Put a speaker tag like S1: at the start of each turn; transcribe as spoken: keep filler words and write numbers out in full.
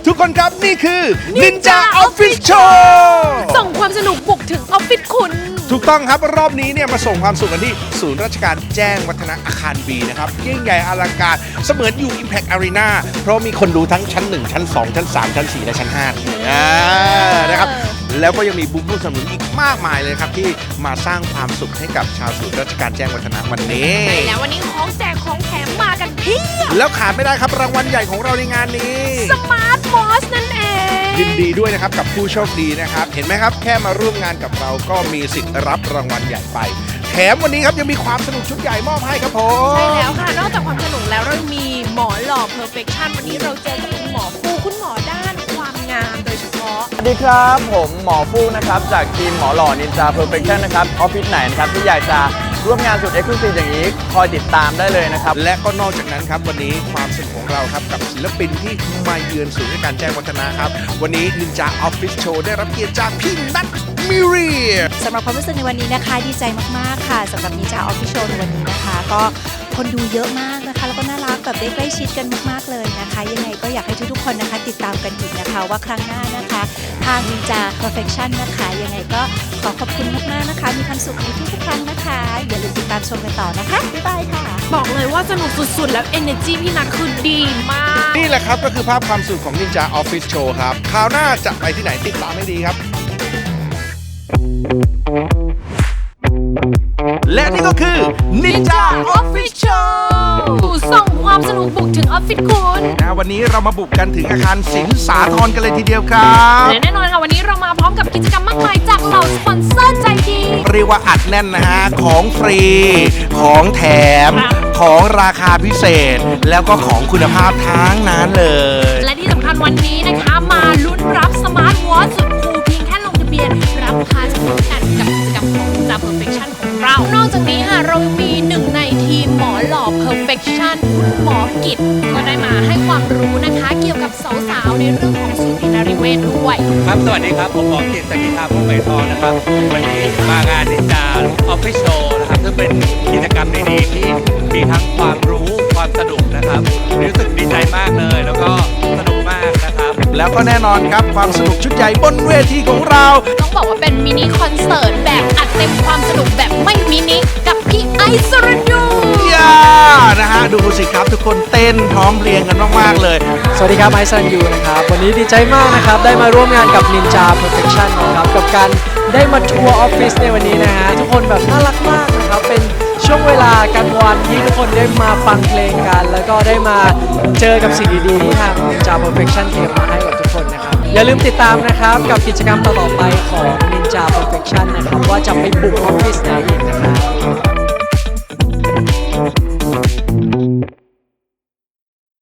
S1: ทุกคนครับนี่คือ Ninja Office Show
S2: ส่งความสนุกบุกถึงออฟฟิศคุณ
S1: ถูกต้องครับรอบนี้เนี่ยมาส่งความสุขกันที่ศูนย์ราชการแจ้งวัฒนะอาคาร B นะครับยิ่งใหญ่อลังการเสมือนอยู่ Impact Arena เพราะมีคนดูทั้งชั้นหนึ่งชั้นสองชั้นสามชั้นสี่และชั้นห้าอ่านะครับแล้วก็ยังมีบูธผู้สนับสนุนอีกมากมายเลยครับที่มาสร้างความสุขให้กับชาวศูนย์ราชการแจ้งวัฒนะวันนี้
S2: ใช่แล้ววันนี้ของแจกของแถมมากันเพียบ
S1: แล้วขาดไม่ได้ครับรางวัลใหญ่ของเราในงานนี้
S2: สมาร์ทวอชนั่นเอง
S1: ยินดีด้วยนะครับกับผู้โชคดีนะครับเห็นไหมครับแค่มาร่วมงานกับเราก็มีสิทธิ์รับรางวัลใหญ่ไปแถมวันนี้ครับยังมีความสนุกชุดใหญ่มอบให้ครับผม
S2: ใช่แล้วค่ะนอกจากความสนุกแล้วเรามีหมอหล่อ Perfection วันนี้เราเจอกับคุณหมอฟูคุณหมอด้านความงามโดยเฉพาะ
S3: สวัสดีครับผมหมอฟูนะครับจากทีมหมอหล่อนินจาเพอร์เฟคชั่นนะครับออฟฟิศไหนนะครับที่อยากจะร่วมงานสุดเอ็กซ์คลูซีฟอย่างนี้คอยติดตามได้เลยนะครับ
S1: และก็นอกจากนั้นครับวันนี้ความสนุกของเราครับกับศิลปินที่มาเยือนศูนย์ราชการแจ้งวัฒนะครับวันนี้ Ninja Office Show ได้รับเกียรติจากพี่นัทมิเรีย
S4: สำหรับความรู้สึกในวันนี้นะคะดีใจมากๆค่ะสำหรับนิจาออฟฟิเชียลในวันนี้นะคะ ก็คนดูเยอะมากนะคะ แล้วก็น่ารักแบบได้ใกล้ชิดกันมากๆเลยนะคะ ยังไงก็อยากให้ทุกๆคนนะคะ ติดตามกันอีกนะคะ ว่าครั้งหน้านะคะทางนิจา Perfection นะคะยังไงก็ขอขอบคุณมากๆนะคะ มีความสุขในทุกๆครั้งนะคะ อย่าลืมติดตามชมกันต่อนะคะบ๊ายบายค่ะ
S2: บอกเลยว่าสนุกสุดๆ แล้ว Energy พี่นัทคือดีมาก
S1: นี่แหละครับก็คือภาพความสุขของ Ninja Office Show ครับคราวหน้าจะไปที่ไหนติดตามให้ดีครับ และนี่ก็คือ Ninja Office Show
S2: ส่งความสนุกบุกถึงออฟฟิศคุณ
S1: นะวันนี้เรามาบุกกันถึงอาคารสินสาธรกันเลยทีเดียวครับ
S2: และแน่นอนค่ะวันนี้เรามาพร้อมกับกิจกรรมมากมายจากเหล่าสปอนเซอร์ใจดี
S1: เรียกว่าอัดแน่นนะฮะ ของฟรี ของแถม ของราคาพิเศษ แล้วก็ของคุณภาพทั้งนั้นเลย
S2: และที่สำคัญวันนี้นะคะมาลุ้นรับสมาร์ทวอทสุดคูลเพียงแค่ลงทะเบียน รับพาสปอร์ตกันกับกิจกรรมของ Ninja Perfection ของเรา นอกจากนี้ค่ะเรามีหนึ่งในทีมหมอหล่อ Perfection คุณหมอกิจก็ได้มาให้ความรู้นะคะ เกี่ยวกับสาวๆในเรื่องของสูตินรีเวชด้วย
S5: ครับสวัสดีครับ ผมหมอกิตสกิธาพุ่มใบทองนะครับ วันนี้มางานนินจาออฟฟิศโชว์นะครับซึ่งเป็นกิจกรรมดีๆที่มีทั้งความรู้ความสนุกนะครับรู้สึกดีใจมากเลย แล้วก็สนุกมากนะครับ
S1: แล้วก็แน่นอนครับความสนุกชุดใหญ่บนเวทีของเรา
S2: ต้องบอกว่าเป็นมินิคอนเสิร์ตแบบอัดเต็มความสนุกแบบไม่มินิกับพี่ไอซ์สรยู
S1: ย่านะฮะดูสิครับทุกคนเต้นพร้อมเพรียงกันมากๆเลย
S6: สวัสดีครับไอซันยูนะครับวันนี้ดีใจมากนะครับได้มาร่วมงานกับ Ninja Perfection นะครับกับการได้มาทัวร์ออฟฟิศในวันนี้นะฮะทุกคนแบบน่ารักมากนะครับเป็นช่วงเวลากลางวันที่ทุกคนได้มาฟังเพลงกัน แล้วก็ได้มาเจอกับสิ่งดีๆที่ทาง Ninja Perfection เตรียมมาให้กับทุกคนนะครับอย่าลืมติดตามนะครับกับกิจกรรมต่อๆไปของ Ninja Perfection นะครับว่าจะไปบุกออฟฟิศไหนอีกนะครับ